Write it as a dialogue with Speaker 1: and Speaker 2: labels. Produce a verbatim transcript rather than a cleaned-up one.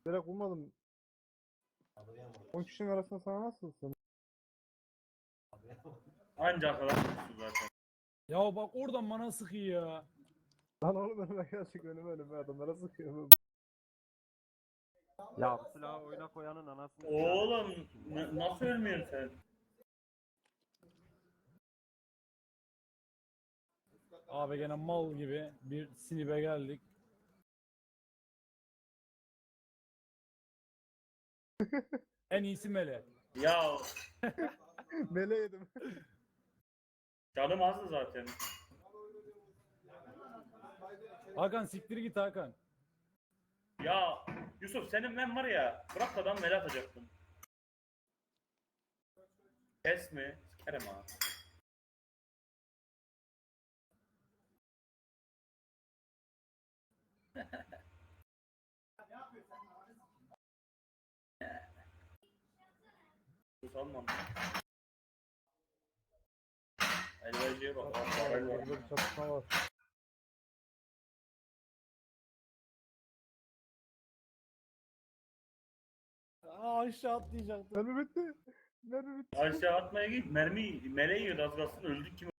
Speaker 1: Direkt bulmadım. on kişinin arasında sana nasıl sığın?
Speaker 2: Anca arkadan vurursun zaten.
Speaker 3: Ya bak oradan bana sıkıyor ya.
Speaker 1: Lan oğlum önüme gerçek önüme önüme adamlara sıkıyor.
Speaker 4: Ya bu silahı oyuna koyanın anasını
Speaker 2: Oğlum n- nasıl ölmüyorsun sen?
Speaker 3: Abi gene mal gibi bir sinibe geldik. En iyisi Mele.
Speaker 2: Ya
Speaker 1: Mele yedim.
Speaker 2: canım azdı zaten.
Speaker 3: Hakan siktir git Hakan.
Speaker 2: Ya Yusuf senin ben var ya bırak adam mele atacaktım. Kes mi? Sikerim ha. Sus almam. Elverciye bak. Parayı var.
Speaker 1: Burada bir çatışma var.
Speaker 3: Aa, aşağı atlayacaktım.
Speaker 1: Mermi bitti. Mermi bitti.
Speaker 2: Aşağı atmaya git. Mermi mele yiyordu az kalsın öldük kim